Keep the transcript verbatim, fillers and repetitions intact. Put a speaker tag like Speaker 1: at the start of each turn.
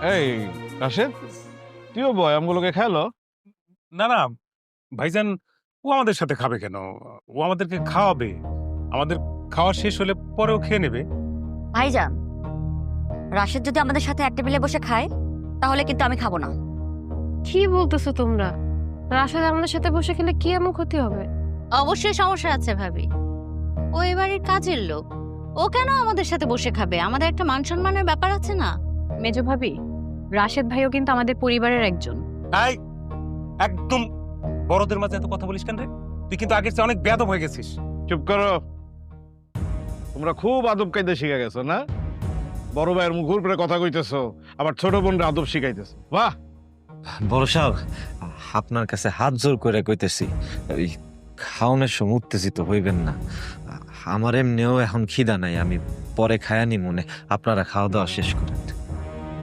Speaker 1: এই রাশেদ, তুইও বয় আমগুলোকে খেলো।
Speaker 2: না না ভাইজান, ও আমাদের সাথে খাবে কেন? ও আমাদেরকে খাওয়াবে, আমাদের খাওয়া শেষ হলে পরেও খেয়ে নেবে।
Speaker 3: ভাইজান, রাশেদ যদি আমাদের সাথে এক টেবিলে বসে খায় তাহলে কিন্তু আমি খাবো না।
Speaker 4: কি বলতেছো তোমরা? রাশেদ আমাদের সাথে বসে খেলে কি এমন ক্ষতি হবে?
Speaker 5: অবশ্যই সমস্যা আছে ভাবি, ও এবারের কাজের লোক, ও কেন আমাদের সাথে বসে খাবে? আমাদের একটা মান সম্মানের ব্যাপার আছে না?
Speaker 4: মেজো ভাবি, রাশেদ ভাইও কিন্তু আমাদের পরিবারের একজন।
Speaker 2: তাই একদম বড়দের মাঝে এত কথা বলিস কেন রে? তুই কিন্তু আগের চেয়ে অনেক বেয়াদব হয়ে গেছিস।
Speaker 1: চুপ করো, তোমরা খুব আদব কায়দা শিখে গেছো না? বড় ভাইয়ের মুখের উপরে কথা কইতেছো, আবার ছোট বোনরা আদব শিখাইতেছো। বাহ!
Speaker 6: বড় সাহেব, আপনার কাছে হাত জোর করে কইতেছি, ওই খাওনের সময় উত্তেজিত হইবেন না। আমার এমনিও এখন খিদা নাই, আমি পরে খায়ানি মনে, আপনারা খাওয়া দাওয়া শেষ করেন।